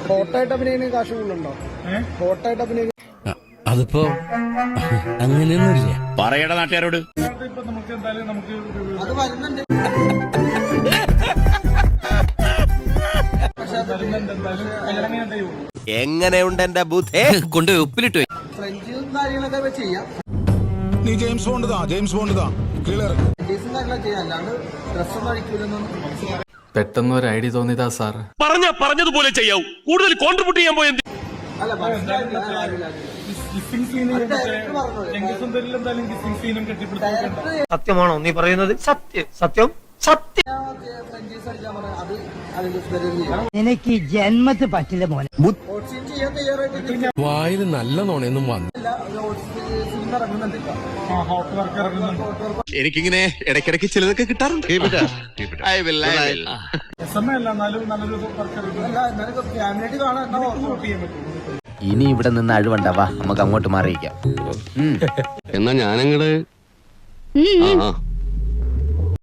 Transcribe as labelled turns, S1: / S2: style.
S1: ഹോട്ടായിട്ട് അഭിനയിക്കുന്ന കാശ് കൂടുതലുണ്ടോ? ഹോട്ടായിട്ട് അഭിനയിക്കുന്ന
S2: അതിപ്പോ അങ്ങനെയൊന്നുമില്ല.
S3: പറയട നാട്ടുകാരോട്.
S1: അത് വരുന്നുണ്ട്.
S3: എങ്ങനെയുണ്ട് എന്റെ ബുദ്ധി?
S2: കൊണ്ടുപോയി ഉപ്പിലിട്ട്
S1: ഫ്രഞ്ചും കാര്യങ്ങളൊക്കെ ചെയ്യാം.
S4: നീ ജെയിംസ് ബോണ്ട് ക്ലിയർ
S1: കാര്യങ്ങളൊക്കെ ചെയ്യാം. അല്ലാണ്ട് ഡ്രസ്സൊന്നും അടിക്കൂലെന്നൊന്നും.
S5: പെട്ടെന്ന് ഒരു ഐഡിയ തോന്നിയതാ സാർ.
S3: പറഞ്ഞതുപോലെ ചെയ്യാവൂ. കൂടുതൽ കോൺട്രിബ്യൂട്ട് ചെയ്യാൻ പോയത്
S1: അല്ല
S6: സത്യമാണോ നീ പറയുന്നത്? സത്യം
S1: ഫ്രഞ്ചീസ് അടിക്കാൻ പറഞ്ഞ അത് അതിന്റെ
S6: എനിക്ക് ജന്മത്ത് പറ്റില്ല മോനെ.
S1: ചെയ്യാൻ തയ്യാറായിട്ട്
S2: വായിൽ നല്ല നോണയൊന്നും വന്നു.
S1: സിനിമ ഇറങ്ങുന്നുണ്ട്.
S3: എനിക്കിങ്ങനെ ഇടയ്ക്കിടയ്ക്ക് ചിലതൊക്കെ കിട്ടാറുണ്ട്.
S1: ഫാമിലിയായിട്ട് കാണാൻ.
S7: ഇനി ഇവിടെ നിന്ന് അഴിവണ്ടാവാ, നമുക്ക് അങ്ങോട്ട് മാറിയിക്കാം.
S3: എന്നാ ഞാനങ്ങട്